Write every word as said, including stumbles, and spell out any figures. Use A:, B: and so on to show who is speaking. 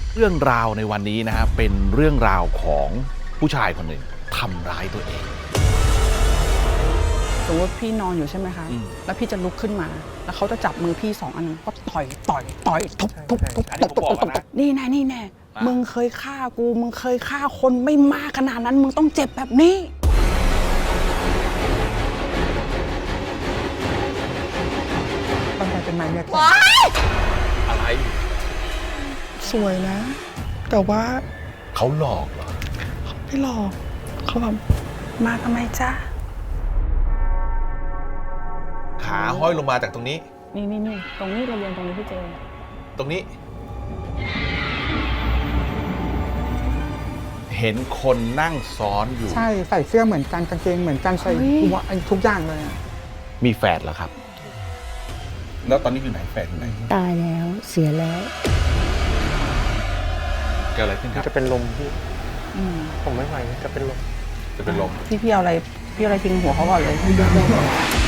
A: เรื่องราวในวันนี้นะครับเป็นเรื่องราวของผู้ชายคนหนึ่งทำร้ายตัวเอง
B: สมมติพี่นอนอยู่ใช่ไหมคะ แล้วพี่จะลุกขึ้นมา แล้วเขาจะจับมือพี่สองอันก็ต่อยต่อยต่อยทุบทุบทุบตบตบตบตบนี่แน่นี่แน่มึงเคยฆ่ากูมึงเคยฆ่าคนไม่มากขนาดนั้นมึงต้องเจ็บแบบนี้
C: ตั้งแต่เป็นไม้เนี่ย
A: อะไร
C: สวยนะ แต่ว่า
A: เขาหลอกเหรอ
C: ไม่หลอกเขาแบบ
B: มาทำไมจ้า
A: ขาห้อยลงมาจากตรงนี้
B: นี่นี่นี่ตรงนี้เราเรียนตรงนี้พี่เจ
A: ตรงนี้ เห็นคนนั่งซ้อนอยู่
C: ใช่ใส่เสื้อเหมือนกันกางเกงเหมือนกันใส่หัวทุกอย่างเลยอะ
A: มีแฝดเหรอครับ แล้วตอนนี้อยู่ไหนแฝดอยู่ไหน
D: ตายแล้วเสียแล้ว
A: เกิดอะไรขึ้นครับ
E: จะเป็นลมพี่
B: อืม
E: ผมไม่ไหวจะเป็นลม
A: จะเป็นลม
B: พี่พี่เอาอะไรพี่เอาอะไรทิ้งหัวเขาก่อนเลย